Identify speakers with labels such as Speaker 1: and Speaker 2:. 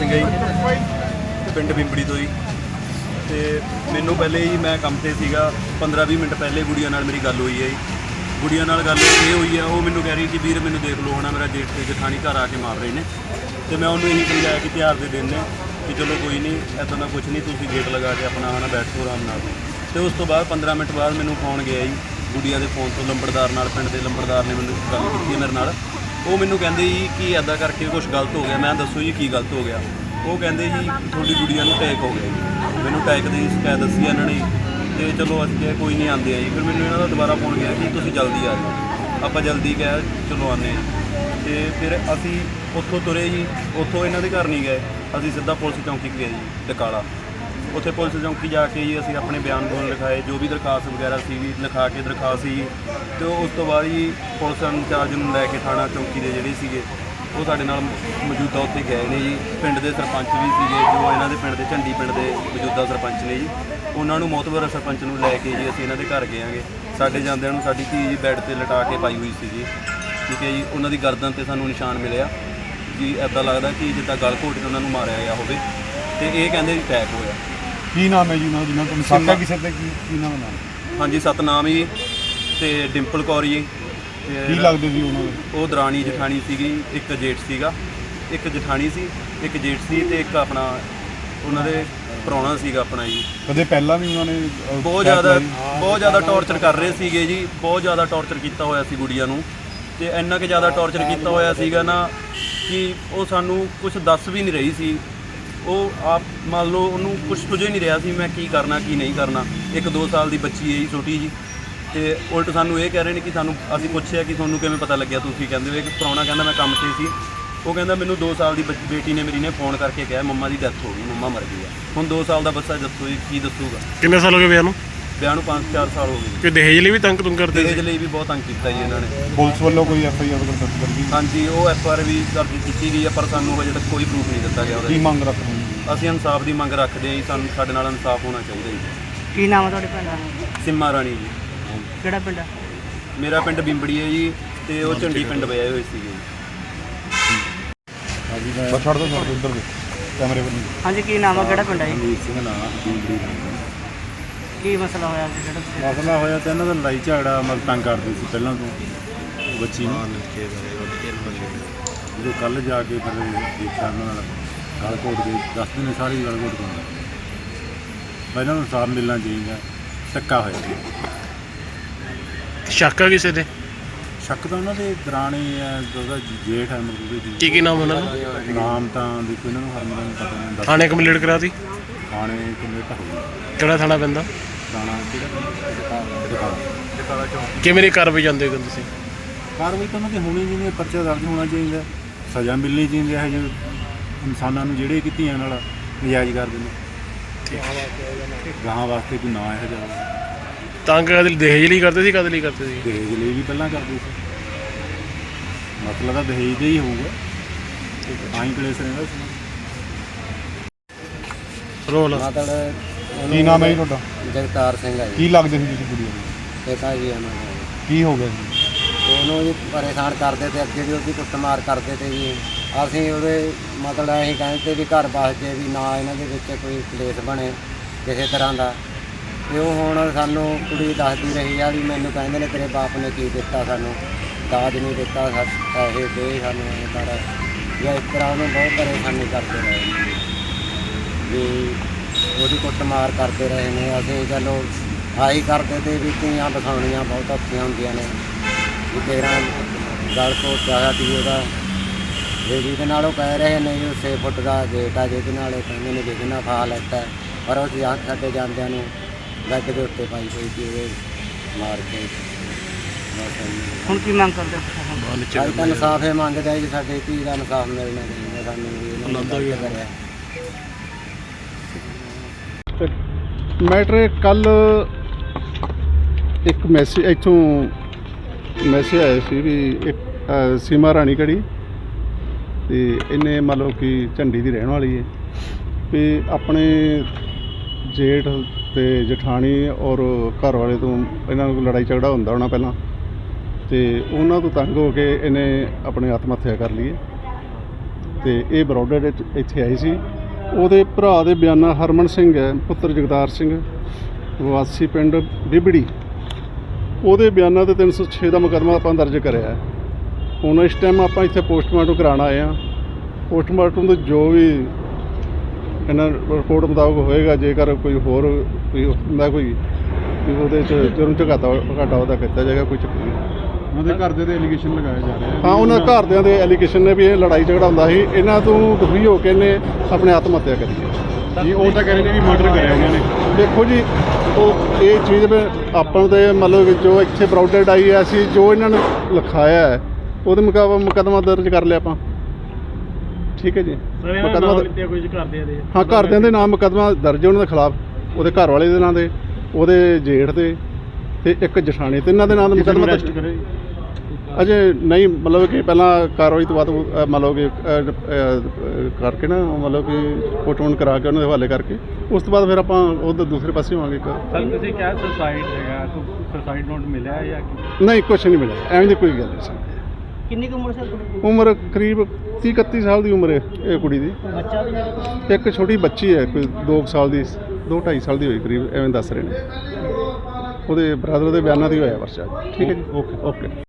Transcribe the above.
Speaker 1: ਸਿੰਘ है जी, पिंड बिंबड़ी तो जी। तो मैनू पहले ही मैं काम से सीगा 15-20 मिनट पहले गुड़िया नाल मेरी गल हुई है जी। गुड़िया नाल गल ये हुई है, वो मैनू कह रही कि वीर मैनू देख लो है मेरा जेठ ते जठानी घर आके मार रहे हैं। तो मैं उन्होंने यही समझाया कि त्यौहार के दिन ने कि चलो कोई नहीं, ऐसा ना कुछ नहीं, तुम गेट लगा के अपना है ना बैठो आराम नाल। तो उस तो बाद 15 मिनट बाद मैनू फोन गया जी गुड़िया के फोन तो लंबड़दार नाल, पिंड के लंबड़दार ने मैनू गल की मेरे नाल। वो मैनू कहते जी कि इदा करके कुछ गलत हो गया। मैं दसो जी की गलत हो गया। वो कहते जी थोड़ी गुड़िया नूं अटैक हो गया जी। मैनू अटैक की शिकायत दसी इन्होंने। तो चलो असीं कहा कोई नहीं आते जी। फिर मैनू इन्हों का दोबारा फोन गया कि तुसीं जल्दी आ जाओ। आप जल्दी कहा चलो आने। तो फिर असी उत्थों तुरे जी, उत्थों इन्हों के घर नहीं गए, असीं सीधा पुलिस चौंकी गए जी डकाला। उत्थे पुलिस चौंकी जाके जी असीं अपने बयान बून लिखाए, जो भी दरखास्त वगैरह सी लिखा के दरखास्त सी। तो उस तो बाद जी पुलिस इंचार्ज नूं लैके थाणा चौंकी के जिहड़े सीगे वो साडे नाल मौजूदा उत्थे गए ने जी। पिंड के सरपंच भी सीगे, जो इन्हां दे पिंड के झंडी पिंड के मौजूदा सरपंच ने जी, उन्होंने मोतबर सरपंच नूं लैके जी असीं इन्हां दे घर गए आंगे। साडे जांदिआं नूं साडी धी जी बैड ते लटा के पाई हुई सी जी, ठीक है जी। उन्हां दी गर्दन ते सानूं निशान मिलिआ जी, ऐदां लगदा कि जिद्दां गल घोट के उन्हां नूं मारिआ गया होवे। ते इह कहंदे जी अटैक होया।
Speaker 2: की नाम है जी उन्होंने जिन्होंने तुम साका किसी ते की नाम है?
Speaker 1: हाँ जी सतनाम जी ते डिंपल कौर जी।
Speaker 2: की लगदे जी उन्होंने?
Speaker 1: वो दरानी जठानी सीगी, एक जेठ सीगा, एक जठानी सी, एक जेठ सी ते एक अपना उन्होंने प्राहुणा सीगा अपना जी।
Speaker 2: कदे पहला भी उन्होंने
Speaker 1: बहुत ज़्यादा टॉर्चर कर रहे सीगे जी, बहुत ज़्यादा टॉर्चर किया होया सी गुड़िया नूं। ते इन्ना कि ज़्यादा टॉर्चर किया होया सीगा ना कि वो सानू कुछ दस भी नहीं रही सी। वो आप मान लो उन्होंने कुछ सुझ नहीं रहा सी मैं की करना की नहीं करना। 1-2 साल की बच्ची है जी छोटी जी। तो उल्ट सानू ये कह रहे हैं कि सानू असीं पुछया कि तुहानू किवें पता लग्या, तुसीं कहंदे हो। एक प्राहुणा कहंदा मैं काम ते सी, वो कहंदा मैनू 2 साल की बेटी ने मेरी ने फोन करके कहा मम्मा की डेथ हो गई, मम्मा मर गई है। हुण 2 साल का बच्चा दसो जी की दसूगा।
Speaker 3: कितने साल हो गए विआह नूं?
Speaker 1: विआह नूं 5-4 साल हो गए।
Speaker 3: कि दहेज लिए भी तंग करते?
Speaker 1: दहेज लिए भी बहुत तंग किया जी इन्होंने।
Speaker 2: पुलिस वालों कोई FIR दर्ज कर दी?
Speaker 1: हाँ जी वो FIR भी दर्ज की गई है, पर सानू अजे तक कोई प्रूफ नहीं दिता गया।
Speaker 2: की मंग रख रहे हैं?
Speaker 1: ਅਸੀਂ ਇਨਸਾਫ ਦੀ ਮੰਗ ਰੱਖਦੇ ਹਾਂ ਜੀ, ਸਾਨੂੰ ਸਾਡੇ ਨਾਲ ਇਨਸਾਫ ਹੋਣਾ ਚਾਹੀਦਾ ਜੀ।
Speaker 4: ਕੀ ਨਾਮ ਹੈ ਤੁਹਾਡੇ ਪਿੰਡ ਦਾ?
Speaker 1: ਸਿੰਮਾ ਰਾਣੀ ਜੀ।
Speaker 4: ਕਿਹੜਾ ਪਿੰਡ ਹੈ?
Speaker 1: ਮੇਰਾ ਪਿੰਡ ਬਿੰਬੜੀ ਹੈ ਜੀ, ਤੇ ਉਹ ਝੰਡੀ ਪਿੰਡ ਵਿਆਹੇ ਹੋਏ ਸੀਗੇ ਜੀ।
Speaker 2: ਹਾਂਜੀ ਬਸ ਛੱਡ ਦੋ ਉਧਰ ਦੇ ਕੈਮਰੇ ਵੱਲ।
Speaker 4: ਹਾਂਜੀ ਕੀ ਨਾਮ ਹੈ, ਕਿਹੜਾ ਪਿੰਡ ਹੈ ਜੀ?
Speaker 2: ਅਮੀਰ ਸਿੰਘ ਨਾਮ ਬਿੰਬੜੀ ਦਾ।
Speaker 4: ਕੀ ਮਸਲਾ ਹੋਇਆ ਸੀ ਜਿਹੜਾ ਤੁਸੀਂ?
Speaker 2: ਮਸਲਾ ਹੋਇਆ ਤਾਂ ਇਹਨਾਂ ਦਾ ਲੜਾਈ ਝਗੜਾ ਮਤਲਬ ਤੰਗ ਕਰਦੇ ਸੀ ਪਹਿਲਾਂ ਤੋਂ ਬੱਚੀ ਨੂੰ। ਜਦੋਂ ਕੱਲ੍ਹ ਜਾ ਕੇ ਫਿਰ ਦੇਖਿਆ ਉਹਨਾਂ ਨਾਲ ਗਲ ਘੋਟ ਕੇ ਦੱਸਦੇ ਨੇ ਸਾਰੀ ਗਲ ਘੋਟ ਕੇ ਪਹਿਲਾਂ ਨੂੰ ਇਨਸਾਫ ਮਿਲਣਾ ਚਾਹੀਦਾ। ਧੱਕਾ ਹੋਇਆ ਜੀ।
Speaker 3: ਸ਼ੱਕ ਆ ਕਿਸੇ ਤੇ?
Speaker 2: ਸ਼ੱਕ ਤਾਂ ਉਹਨਾਂ ਦੇ ਦਰਾਣੀ ਹੈ, ਉਹਦਾ ਜੇਠ ਹੈ ਮਤਲਬ
Speaker 3: ਕੀ ਕੀ ਨਾਮ ਉਹਨਾਂ ਦਾ?
Speaker 2: ਨਾਮ ਤਾਂ ਦੇਖੋ ਇਹਨਾਂ ਨੂੰ ਹਰਮਨ ਨੂੰ ਪਤਾ ਨਹੀਂ।
Speaker 3: ਥਾਣੇ ਕੰਪਲੀਟ ਕਰਾਤੀ?
Speaker 2: ਥਾਣੇ ਕਮੇਟ ਹੋ ਗਈ।
Speaker 3: ਕਿਹੜਾ ਥਾਣਾ ਪੈਂਦਾ?
Speaker 2: ਥਾਣਾ ਕਿਹੜਾ?
Speaker 3: ਕਿਵੇਂ ਦੀ ਕਾਰਵਾਈ ਜਾਂਦੇ ਹੋ ਤੁਸੀਂ?
Speaker 2: ਕਾਰਵਾਈ ਤਾਂ ਉਹਨਾਂ ਦੀ ਹੋਣੀ ਚਾਹੀਦੀ, ਪਰਚਾ ਦਰਜ ਹੋਣਾ ਚਾਹੀਦਾ, ਸਜ਼ਾ ਮਿਲਣੀ ਚਾਹੀਦੀ ਹੈ ਜੋ ਇਨਸਾਨਾਂ ਨੂੰ ਜਿਹੜੇ ਕਿ ਧੀਆਂ ਨਾਲ ਨਜਾਇਜ਼ ਕਰਦੇ ਨੇ। ਗਾਹਾਂ ਵਾਸਤੇ ਕੋਈ ਨਾ ਇਹੋ ਜਿਹਾ
Speaker 3: ਤੰਗ ਕਦੇ ਦਹੇਜ ਲਈ ਕਰਦੇ ਸੀ, ਕਦੇ ਲਈ ਕਰਦੇ ਸੀ?
Speaker 2: ਦਹੇਜ ਲਈ ਵੀ ਪਹਿਲਾਂ ਕਰਦੇ ਸੀ। ਮਤਲਬ ਤਾਂ ਦਹੇਜ ਦਾ ਹੀ ਹੋਊਗਾ, ਤਾਂ ਹੀ ਕਲੇਸ਼ ਰਹਿੰਦਾ ਸੀ।
Speaker 3: ਰੋਲ
Speaker 5: ਮਤਲਬ
Speaker 2: ਕੀ ਨਾਮ ਹੈ ਜੀ ਤੁਹਾਡਾ?
Speaker 5: ਜਗਤਾਰ ਸਿੰਘ ਹੈ ਜੀ।
Speaker 2: ਕੀ ਲੱਗਦੇ ਸੀ ਤੁਸੀਂ ਕੁੜੀ ਨੂੰ?
Speaker 5: ਪਿਤਾ ਜੀ ਉਹਨਾਂ ਦੇ
Speaker 2: ਕੀ ਹੋ ਗਿਆ ਜੀ?
Speaker 5: ਉਹਨੂੰ ਜੀ ਪਰੇਸ਼ਾਨ ਕਰਦੇ ਤੇ ਅੱਗੇ ਵੀ ਉਹਦੀ ਕੁੱਟਮਾਰ ਕਰਦੇ ਤੇ ਜੀ। ਅਸੀਂ ਉਹਦੇ ਮਤਲਬ ਅਸੀਂ ਕਹਿੰਦੇ ਵੀ ਘਰ ਬਸ ਜੇ ਵੀ ਨਾ ਇਹਨਾਂ ਦੇ ਵਿੱਚ ਕੋਈ ਕਲੇਸ਼ ਬਣੇ ਕਿਸੇ ਤਰ੍ਹਾਂ ਦਾ। ਤੇ ਉਹ ਹੁਣ ਸਾਨੂੰ ਕੁੜੀ ਦੱਸਦੀ ਰਹੀ ਆ ਵੀ ਮੈਨੂੰ ਕਹਿੰਦੇ ਨੇ ਤੇਰੇ ਬਾਪ ਨੇ ਕੀ ਦਿੱਤਾ, ਸਾਨੂੰ ਦਾਜ ਨਹੀਂ ਦਿੱਤਾ, ਪੈਸੇ ਦੇ ਸਾਨੂੰ ਐਂ ਕਰ ਜਾਂ ਇਸ ਤਰ੍ਹਾਂ ਉਹਨੂੰ ਬਹੁਤ ਪਰੇਸ਼ਾਨੀ ਕਰਦੇ ਰਹੇ ਵੀ ਉਹਦੀ ਕੁੱਟਮਾਰ ਕਰਦੇ ਰਹੇ ਨੇ। ਅਸੀਂ ਚਲੋ ਆਹੀ ਕਰਦੇ ਤੇ ਵੀ ਧੀਆਂ ਦਿਖਾਉਣੀਆਂ ਬਹੁਤ ਔਖੀਆਂ ਹੁੰਦੀਆਂ ਨੇ ਵੀ ਤੇਰਾ ਗਲ ਘੋਟ ਜਾਇਆ ਸੀ ਉਹਦਾ। ਜਿਹਦੇ ਨਾਲ ਉਹ ਕਹਿ ਰਹੇ ਨੇ ਉਹ 6 ਫੁੱਟ ਦਾ ਗੇਟ ਆ, ਜਿਹਦੇ ਨਾਲ ਉਹ ਕਹਿੰਦੇ ਨੇ ਜਿਹਦੇ ਨਾਲ ਫਾਹ ਲੈਤਾ, ਪਰ ਉਹ ਸਾਡੇ ਜਾਂਦਿਆਂ ਨੂੰ ਬੈੱਡ ਦੇ ਉੱਤੇ ਪਾਈ ਹੋਈ ਸੀ ਉਹਦੇ ਮਾਰ ਕੇ।
Speaker 4: ਹੁਣ ਕੀ ਮੰਗ ਕਰਦੇ ਹੋ?
Speaker 5: ਅੱਜ ਤਾਂ ਇਨਸਾਫ ਹੀ ਮੰਗਦੇ ਜੀ, ਸਾਡੇ ਧੀ ਦਾ ਇਨਸਾਫ ਮਿਲਣਾ ਚਾਹੀਦਾ ਸਾਨੂੰ ਵੀ ਇਹਨਾਂ ਨੇ ਕਰਿਆ।
Speaker 6: ਮੈਟਰ ਕੱਲ ਇੱਕ ਮੈਸੇਜ ਇੱਥੋਂ ਮੈਸੇਜ ਆਇਆ ਸੀ ਵੀ ਇੱਕ ਸੀਮਾ ਰਾਣੀ ਕੜੀ ਤੇ ਇਹਨੇ ਮੰਨ ਲਓ ਕਿ ਝੰਡੀ ਦੀ ਰਹਿਣ ਵਾਲੀ ਹੈ ਵੀ ਆਪਣੇ ਜੇਠ ਤੇ ਜਠਾਣੀ ਔਰ ਘਰ ਵਾਲੇ ਤੋਂ ਇਹਨਾਂ ਨੂੰ ਲੜਾਈ ਝਗੜਾ ਹੁੰਦਾ ਹੋਣਾ ਪਹਿਲਾਂ, ਤੇ ਉਹਨਾਂ ਤੋਂ ਤੰਗ ਹੋ ਕੇ ਇਹਨੇ ਆਪਣੇ ਆਤਮ ਹੱਤਿਆ ਕਰ ਲਈ ਹੈ। ਤੇ ਇਹ ਬਰੋਡਰ ਇੱਥੇ ਆਈ ਸੀ। ਉਹਦੇ ਭਰਾ ਦੇ ਬਿਆਨਾ ਹਰਮਨ ਸਿੰਘ ਹੈ ਪੁੱਤਰ ਜਗਤਾਰ ਸਿੰਘ ਵਾਸੀ ਪਿੰਡ ਬਿਬੜੀ, ਉਹਦੇ ਬਿਆਨਾਂ ਤੇ 306 ਦਾ ਮੁਕੱਦਮਾ ਆਪਾਂ ਦਰਜ ਕਰਿਆ ਹੈ। ਹੁਣ ਇਸ ਟਾਈਮ ਆਪਾਂ ਇੱਥੇ ਪੋਸਟਮਾਰਟਮ ਕਰਾਉਣ ਆਏ ਹਾਂ। ਪੋਸਟਮਾਰਟਮ ਦੇ ਜੋ ਵੀ ਇਹਨਾਂ ਰਿਪੋਰਟ ਮੁਤਾਬਕ ਹੋਏਗਾ, ਜੇਕਰ ਕੋਈ ਹੋਰ ਕੋਈ ਹੁੰਦਾ ਕੋਈ ਵੀ ਉਹਦੇ 'ਚ ਜੁਰਮ 'ਚ ਘਾਟਾ ਉਹਦਾ ਕੀਤਾ ਜਾਏਗਾ, ਕੋਈ ਚੱਕਰ ਨਹੀਂ।
Speaker 2: ਉਹਨਾਂ ਦੇ ਘਰ ਦੇ ਇਲੀਗੇਸ਼ਨ ਲਗਾਏ ਜਾ ਰਹੇ
Speaker 6: ਹਾਂ, ਉਹਨਾਂ ਘਰਦਿਆਂ ਦੇ ਐਲੀਗੇਸ਼ਨ ਨੇ ਵੀ ਇਹ ਲੜਾਈ ਝਗੜਾ ਹੁੰਦਾ ਸੀ, ਇਹਨਾਂ ਤੋਂ ਦੁਖੀ ਹੋ ਕੇ ਇਹਨੇ ਆਪਣੇ ਆਤਮ ਹੱਤਿਆ ਕਰੀ ਹੈ
Speaker 2: ਜੀ। ਉਹ ਤਾਂ ਕਹਿ ਰਹੇ ਨੇ ਵੀ ਮਰਡਰ ਕਰਿਆ ਉਹਨਾਂ ਨੇ।
Speaker 6: ਦੇਖੋ ਜੀ, ਉਹ ਇਹ ਚੀਜ਼ ਵੀ ਆਪਾਂ ਦੇ ਮਤਲਬ ਕਿ ਜੋ ਇੱਥੇ ਬਰੋਡਡ ਆਈ ਹੈ, ਅਸੀਂ ਜੋ ਇਹਨਾਂ ਨੇ ਲਿਖਾਇਆ ਹੈ ਉਹਦੇ ਮੁਕੱਦਮਾ ਦਰਜ ਕਰ ਲਿਆ ਆਪਾਂ। ਠੀਕ ਹੈ ਜੀ, ਮੁਕੱਦਮਾ
Speaker 3: ਕੁਝ ਕਰਦੇ ਆ ਦੇ
Speaker 6: ਹਾਂ, ਘਰਦਿਆਂ ਦੇ ਨਾਮ ਮੁਕੱਦਮਾ ਦਰਜ ਉਹਨਾਂ ਦੇ ਖਿਲਾਫ, ਉਹਦੇ ਘਰ ਵਾਲੇ ਦੇ ਨਾਂ ਦੇ, ਉਹਦੇ ਜੇਠ ਦੇ ਤੇ ਇੱਕ ਜਠਾਣੀ, ਤਿੰਨਾਂ ਦੇ ਨਾਂ ਦਾ ਮੁਕੱਦਮਾ ਦਰਜ ਅਜੇ ਨਹੀਂ। ਮਤਲਬ ਕਿ ਪਹਿਲਾਂ ਕਾਰਵਾਈ ਤੋਂ ਬਾਅਦ ਮਤਲਬ ਕਿ ਕਰਕੇ ਨਾ ਮਤਲਬ ਕਿ ਪੋਸਟਮਾਰਟਮ ਕਰਾ ਕੇ ਉਹਨਾਂ ਦੇ ਹਵਾਲੇ ਕਰਕੇ ਉਸ ਤੋਂ ਬਾਅਦ ਫਿਰ ਆਪਾਂ ਉਧਰ ਦੂਸਰੇ ਪਾਸੇ ਹੋਵਾਂਗੇ।
Speaker 2: ਸਰ ਤੁਸੀਂ ਕਿਹਾ ਸੁਸਾਈਡ ਹੈਗਾ, ਸੁਸਾਈਡ ਨੋਟ ਮਿਲਿਆ ਜਾਂ
Speaker 6: ਨਹੀਂ, ਕੁਛ ਨਹੀਂ ਮਿਲਿਆ, ਐਵੇਂ ਦੀ ਕੋਈ ਗੱਲ ਨਹੀਂ ਸੀ।
Speaker 4: ਕਿੰਨੀ ਕੁ ਉਮਰ ਸੀ?
Speaker 6: ਉਮਰ ਕਰੀਬ 30-31 ਸਾਲ ਦੀ ਉਮਰ ਹੈ ਇਹ ਕੁੜੀ ਦੀ।
Speaker 4: ਬੱਚਾ ਵੀ ਹੈ?
Speaker 6: ਇੱਕ ਛੋਟੀ ਬੱਚੀ ਹੈ ਕੋਈ 2 ਸਾਲ ਦੀ, 2-2.5 ਸਾਲ ਦੀ ਹੋਈ ਕਰੀਬ, ਐਵੇਂ ਦੱਸ ਰਹੇ ਨੇ। ਉਹਦੇ ਬ੍ਰਦਰ ਦੇ ਬਿਆਨਾਂ ਦੀ ਹੋਇਆ ਪਰਚਾ। ਠੀਕ ਹੈ ਜੀ, ਓਕੇ।